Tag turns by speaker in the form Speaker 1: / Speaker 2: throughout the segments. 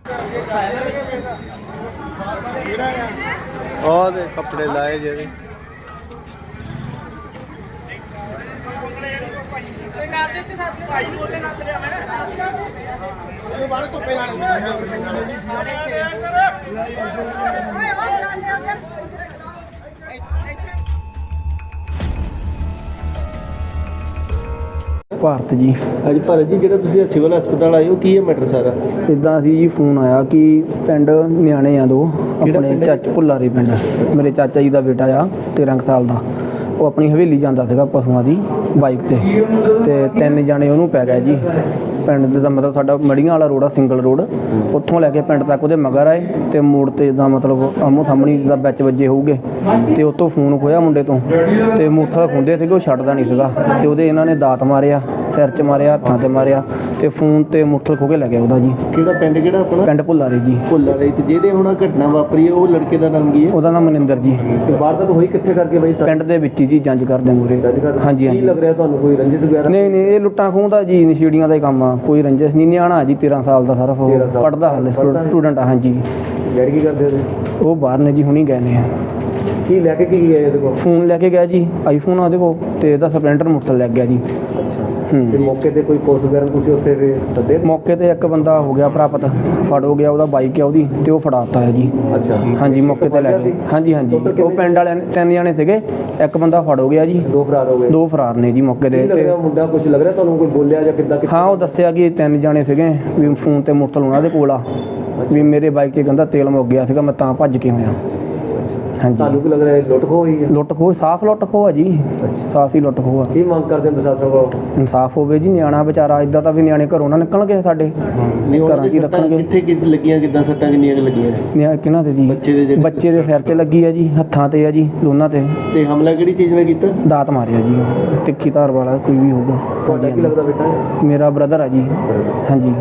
Speaker 1: ਉਹਦੇ ਕੱਪੜੇ ਲਾਏ ਜਿਹੜੇ
Speaker 2: ਭਾਰਤ ਜੀ।
Speaker 3: ਅੱਜ ਭਾਰਤ ਜੀ, ਜਿਹੜਾ ਤੁਸੀਂ ਸਿਵਲ ਹਸਪਤਾਲ ਆਏ ਹੋ, ਕੀ ਹੈ ਮੈਟਰ ਸਾਰਾ?
Speaker 2: ਇੱਦਾਂ ਸੀ ਜੀ, ਫੋਨ ਆਇਆ ਕਿ ਪਿੰਡ ਨਿਆਣੇ ਆ ਦੋ ਆਪਣੇ ਭੁੱਲਾਰੇ ਪਿੰਡ। ਮੇਰੇ ਚਾਚਾ ਜੀ ਦਾ ਬੇਟਾ ਆ 13 ਸਾਲ ਦਾ। ਉਹ ਆਪਣੀ ਹਵੇਲੀ ਜਾਂਦਾ ਸੀਗਾ ਪਸ਼ੂਆਂ ਦੀ ਬਾਈਕ ਤੇ 3 ਜਾਣੇ ਉਹਨੂੰ ਪੈ ਗਏ ਜੀ। ਪਿੰਡ ਦਾ ਮਤਲਬ ਸਾਡਾ ਮੜੀਆਂ ਵਾਲਾ ਰੋਡ ਆ, ਸਿੰਗਲ ਰੋਡ। ਉੱਥੋਂ ਲੈ ਕੇ ਪਿੰਡ ਤੱਕ ਉਹਦੇ ਮਗਰ ਆਏ ਤੇ ਮੋੜ ਤੇ ਜਿੱਦਾਂ ਮਤਲਬ ਆਮੋ ਸਾਹਮਣੇ ਜਿੱਦਾਂ ਵਿੱਚ ਵੱਜੇ ਹੋਊਗੇ ਤੇ ਉਹ ਤੋਂ ਫੋਨ ਖੋਇਆ ਮੁੰਡੇ ਤੋਂ ਤੇ ਮੂਥਾ ਖੁੰਦੇ ਸੀਗੇ, ਉਹ ਛੱਡਦਾ ਨਹੀਂ ਸੀਗਾ ਤੇ ਉਹਦੇ ਇਹਨਾਂ ਨੇ ਦਾਤ ਮਾਰਿਆ, ਸਿਰ 'ਚ ਮਾਰਿਆ, ਹੱਥਾਂ 'ਤੇ ਮਾਰਿਆ ਤੇ ਫੋਨ ਤੇ ਮੁੱਠਲ ਖੋ ਕੇ ਲੈ ਗਿਆ ਉਹਦਾ ਜੀ।
Speaker 3: ਕਿਹੜਾ ਪਿੰਡ, ਕਿਹੜਾ ਆਪਣਾ?
Speaker 2: ਪਿੰਡ ਭੁੱਲਾਰੇ ਜੀ।
Speaker 3: ਭੁੱਲਾਰੇ। ਤੇ ਜਿਹਦੇ ਹੁਣ ਘਟਨਾ ਵਾਪਰੀ ਹੈ ਉਹ ਲੜਕੇ ਦਾ ਨਾਮ ਕੀ ਹੈ?
Speaker 2: ਉਹਦਾ ਨਾਮ ਮਨਿੰਦਰ ਜੀ।
Speaker 3: ਵਾਰਦਾਤ ਹੋਈ ਕਿੱਥੇ ਕਰਕੇ ਬਾਈ?
Speaker 2: ਪਿੰਡ ਦੇ ਵਿੱਚ ਜੀ, ਜੰਜ ਕਰਦੇ ਮੂਰੇ। ਹਾਂਜੀ
Speaker 3: ਕੀ ਲੱਗ ਰਿਹਾ ਤੁਹਾਨੂੰ, ਕੋਈ ਰੰਜਿਸ਼ ਵਗੈਰਾ?
Speaker 2: ਨਹੀਂ, ਇਹ ਲੁੱਟਾਂ ਖੋਹ ਦਾ ਜੀ, ਨਸ਼ੀੜੀਆਂ ਦਾ ਹੀ ਕੰਮ ਆ, ਕੋਈ ਰੰਜਿਸ਼ ਨਹੀਂ। ਨਿਆਣਾ ਜੀ 13 ਸਾਲ ਦਾ, ਸਾਰਾ ਪੜ੍ਹਦਾ ਹਾਲੇ, ਸਟੂਡੈਂਟ ਆ। ਹਾਂਜੀ।
Speaker 3: ਡੈਡੀ ਕੀ ਕਰਦੇ ਨੇ?
Speaker 2: ਉਹ ਬਾਹਰ ਨੇ ਜੀ, ਹੁਣੀ ਗਏ ਨੇ।
Speaker 3: ਕੀ ਲੈ ਕੇ ਕੀ ਗਏ ਉਹਦੇ ਕੋਲ?
Speaker 2: ਫੋਨ ਲੈ ਕੇ ਗਿਆ ਜੀ, ਆਈਫੋਨ ਆ ਉਹਦੇ ਕੋਲ ਤੇ ਇਹਦਾ ਸਪਲੈਂਡਰ ਮੁੱਠਲ ਲੱਗ ਗਿਆ ਜੀ।
Speaker 3: ਅੱਛਾ। ਤੇ ਮੌਕੇ ਤੇ ਕੋਈ ਪੁਲਿਸ ਵਗੈਰਾ ਤੁਸੀਂ ਉੱਥੇ ਸੱਦੇ?
Speaker 2: ਮੌਕੇ ਤੇ ਇੱਕ ਬੰਦਾ ਹੋ ਗਿਆ ਪ੍ਰਾਪਤ, ਫੜ ਹੋ ਗਿਆ, ਉਹਦਾ ਬਾਈਕ ਹੈ ਉਹਦੀ ਤੇ ਉਹ ਫੜਾਤਾ ਹੈ ਜੀ।
Speaker 3: ਅੱਛਾ।
Speaker 2: ਹਾਂਜੀ, ਮੌਕੇ ਤੇ ਲੈ ਗਏ। ਹਾਂਜੀ। ਉਹ ਪਿੰਡ ਵਾਲਿਆਂ ਨੇ 3 ਜਾਣੇ ਸੀਗੇ, ਇੱਕ ਬੰਦਾ ਫੜ ਹੋ ਗਿਆ ਜੀ।
Speaker 3: 2 ਫਰਾਰ ਹੋ ਗਏ? 2
Speaker 2: ਫਰਾਰ ਨੇ ਜੀ ਮੌਕੇ ਤੇ।
Speaker 3: ਮੁੰਡਾ ਕੁਝ ਲੱਗ ਰਿਹਾ ਤੁਹਾਨੂੰ, ਕੋਈ ਬੋਲਿਆ ਜਾਂ ਕਿੱਦਾਂ?
Speaker 2: ਹਾਂ, ਉਹ ਦੱਸਿਆ ਕਿ 3 ਜਾਣੇ ਸੀਗੇ ਵੀ ਫੋਨ ਤੇ ਮੁੱਠਲ ਉਹਨਾਂ ਦੇ ਕੋਲ ਆ, ਵੀ ਮੇਰੇ ਬਾਈਕ 'ਤੇ ਕਹਿੰਦਾ ਤੇਲ ਮੁੱਕ ਗਿਆ ਸੀਗਾ, ਮੈਂ ਤਾਂ ਭੱਜ ਕੇ ਹੋਇਆ। ਹਾਂਜੀ।
Speaker 3: ਤੁਹਾਨੂੰ ਕੀ ਲੱਗ ਰਿਹਾ ਲੁੱਟ ਖੋਹ ਹੋਈ ਹੈ?
Speaker 2: ਲੁੱਟ ਖੋਹ, ਸਾਫ਼ ਲੁੱਟ ਖੋਹ ਆ ਜੀ। ਸਾਫ਼ ਹੀ ਲੁੱਟ ਖੋਹ ਆ।
Speaker 3: ਕੀ ਮੰਗ ਕਰਦੇ ਹੋ ਪ੍ਰਸ਼ਾਸਨ ਕੋਲ?
Speaker 2: ਇਨਸਾਫ ਹੋਵੇ ਜੀ। ਨਿਆਣਾ ਵਿਚਾਰਾ, ਇਦਾਂ ਤਾਂ ਵੀ ਨਿਆਣੇ ਘਰੋਂ ਨਾ ਨਿਕਲਣਗੇ ਸਾਡੇ, ਘਰਾਂ 'ਚ ਹੀ ਰੱਖਣਗੇ।
Speaker 3: ਕਿੱਥੇ ਲੱਗੀਆਂ, ਕਿੱਦਾਂ ਸੱਟਾਂ ਕਿੰਨੀਆਂ ਲੱਗੀਆਂ?
Speaker 2: ਕਿਹਨਾਂ ਤੇ ਜੀ? ਬੱਚੇ ਦੇ ਸਿਰ 'ਚ ਲੱਗੀ ਆ ਜੀ, ਹੱਥਾਂ ਤੇ ਆ ਜੀ, ਦੋਨਾਂ ਤੇ।
Speaker 3: ਤੇ ਹਮਲਾ ਕਿਹੜੀ ਚੀਜ਼ ਨਾਲ ਕੀਤਾ?
Speaker 2: ਦਾਤ ਮਾਰਿਆ ਜੀ, ਤਿੱਖੀ ਧਾਰ ਵਾਲਾ ਕੋਈ ਵੀ ਹੋਊਗਾ।
Speaker 3: ਤੁਹਾਡਾ ਕੀ ਲੱਗਦਾ ਬੇਟਾ?
Speaker 2: ਮੇਰਾ ਬ੍ਰਦਰ ਆ ਜੀ। ਹਾਂਜੀ।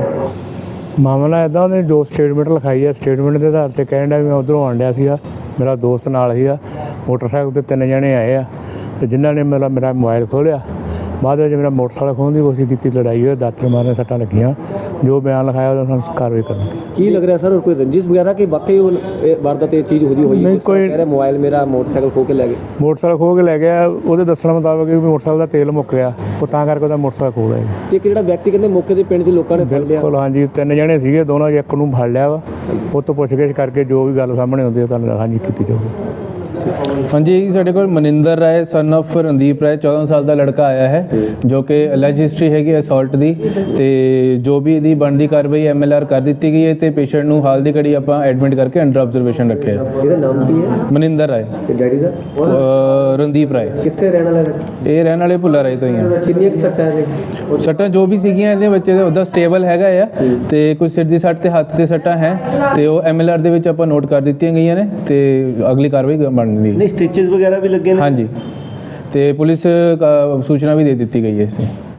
Speaker 4: ਮਾਮਲਾ ਇੱਦਾਂ, ਉਹਨੇ ਜੋ ਸਟੇਟਮੈਂਟ ਲਿਖਾਈ ਹੈ, ਸਟੇਟਮੈਂਟ ਦੇ ਆਧਾਰ 'ਤੇ ਕਹਿਣ ਡਿਆ ਵੀ ਮੈਂ ਉੱਧਰੋਂ ਆਉਣ ਡਿਆ ਸੀਗਾ, ਮੇਰਾ ਦੋਸਤ ਨਾਲ ਸੀਗਾ, ਮੋਟਰਸਾਈਕਲ 'ਤੇ 3 ਜਣੇ ਆਏ ਆ ਤੇ ਜਿਨ੍ਹਾਂ ਨੇ ਮੇਰਾ ਮੋਬਾਈਲ ਖੋਲ੍ਹਿਆ। ਬਾਅਦ ਵਿੱਚ ਮੇਰਾ ਮੋਟਰਸਾਈਕਲ ਖੋਹਣ ਦੀ ਕੋਸ਼ਿਸ਼ ਕੀਤੀ, ਲੜਾਈ ਹੋਈ, ਦਾਤਰ ਮਾਰਨ, ਸੱਟਾਂ ਲੱਗੀਆਂ। ਜੋ ਬਿਆਨ ਲਿਖਾਇਆ ਉਹਦਾ ਸਾਨੂੰ ਕਾਰਵਾਈ ਕਰਨੀ।
Speaker 3: ਕੀ ਲੱਗ ਰਿਹਾ ਸਰ, ਕੋਈ ਰੰਜਿਸ਼ ਵਗੈਰਾ ਕਿ ਵਾਕਈ ਉਹ ਵਾਰਦਾਤ ਇਹ ਚੀਜ਼ ਹੋਈ?
Speaker 4: ਨਹੀਂ, ਕੋਈ
Speaker 3: ਕਹਿ ਰਿਹਾ ਮੋਬਾਈਲ ਮੇਰਾ ਮੋਟਰਸਾਈਕਲ ਖੋ ਕੇ ਲੈ ਗਏ।
Speaker 4: ਮੋਟਰਸਾਈਕਲ ਖੋਹ ਕੇ ਲੈ ਗਿਆ, ਉਹਦੇ ਦੱਸਣ ਮੁਤਾਬਕ ਵੀ ਮੋਟਰਸਾਈਕਲ ਦਾ ਤੇਲ ਮੁੱਕ ਗਿਆ, ਉਹ ਤਾਂ ਕਰਕੇ ਉਹਦਾ ਮੋਟਰਸਾਈਕਲ ਖੋਹ ਲਿਆ।
Speaker 3: ਤੇ ਜਿਹੜਾ ਵਿਅਕਤੀ ਕਹਿੰਦੇ ਮੌਕੇ ਦੇ ਪਿੰਡ 'ਚ ਲੋਕਾਂ ਨੇ ਫੜ ਲਿਆ?
Speaker 4: ਬਿਲਕੁਲ, ਹਾਂਜੀ। 3 ਜਣੇ ਸੀਗੇ, ਦੋਨੋਂ ਇੱਕ ਨੂੰ ਫੜ ਲਿਆ ਵਾ, ਉਹ ਤੋਂ ਪੁੱਛਗਿੱਛ ਕਰਕੇ ਜੋ ਵੀ ਗੱਲ ਸਾਹਮਣੇ ਆਉਂਦੀ ਹੈ ਤੁਹਾਨੂੰ ਹਾਂਜੀ ਕੀਤੀ ਜਾਊਗੀ।
Speaker 5: ਹਾਂਜੀ, ਸਾਡੇ ਕੋਲ ਮਨਿੰਦਰ ਰਾਏ ਸਨ ਆਫ ਰਣਦੀਪ ਰਾਏ 14 ਸਾਲ ਦਾ ਲੜਕਾ ਆਇਆ ਹੈ, ਜੋ ਕਿ ਅਲੈਜ ਹਿਸਟਰੀ ਹੈਗੀ ਅਸੌਲਟ ਦੀ, ਤੇ ਜੋ ਵੀ ਇਹਦੀ ਬਣਦੀ ਕਾਰਵਾਈ MLR ਕਰ ਦਿੱਤੀ ਗਈ ਹੈ ਤੇ ਪੇਸ਼ੈਂਟ ਨੂੰ ਹਾਲ ਦੀ ਘੜੀ ਆਪਾਂ ਐਡਮਿਟ ਕਰਕੇ ਅੰਡਰ ਆਬਜ਼ਰਵੇਸ਼ਨ ਰੱਖਿਆ ਹੈ।
Speaker 3: ਇਹਦਾ ਨਾਮ ਕੀ ਹੈ?
Speaker 5: ਮਨਿੰਦਰ ਰਾਏ।
Speaker 3: ਤੇ ਡੈਡੀ ਦਾ?
Speaker 5: ਰਣਦੀਪ ਰਾਏ।
Speaker 3: ਕਿੱਥੇ ਰਹਿਣ ਵਾਲਾ ਹੈ?
Speaker 5: ਇਹ ਰਹਿਣ ਵਾਲੇ ਭੁੱਲਾ ਰਾਏ ਤੋਂ ਹੀ ਆ।
Speaker 3: ਕਿੰਨੀਆਂ ਸੱਟਾਂ ਹੈ?
Speaker 5: ਸੱਟਾਂ ਜੋ ਵੀ ਸੀਗੀਆਂ ਇਹਦੇ ਬੱਚੇ ਦੇ ਉਹਦਾ ਸਟੇਬਲ ਹੈਗਾ ਆ, ਤੇ ਕੁਝ ਸਿਰ ਦੀ ਸੱਟ ਤੇ ਹੱਥ ਤੇ ਸੱਟਾਂ ਹੈ ਤੇ ਉਹ MLR ਦੇ ਵਿੱਚ ਆਪਾਂ ਨੋਟ ਕਰ ਦਿੱਤੀਆਂ ਗਈਆਂ ਨੇ ਤੇ ਅਗਲੀ ਕਾਰਵਾਈ ਬਣਦੀ ਹੈ।
Speaker 3: ਸਟਿਚਸ ਵਗੈਰਾ ਵੀ ਲੱਗੇ ਨੇ?
Speaker 5: ਹਾਂਜੀ, ਤੇ ਪੁਲਿਸ ਸੂਚਨਾ ਵੀ ਦੇ ਦਿੱਤੀ ਗਈ ਹੈ ਇਸ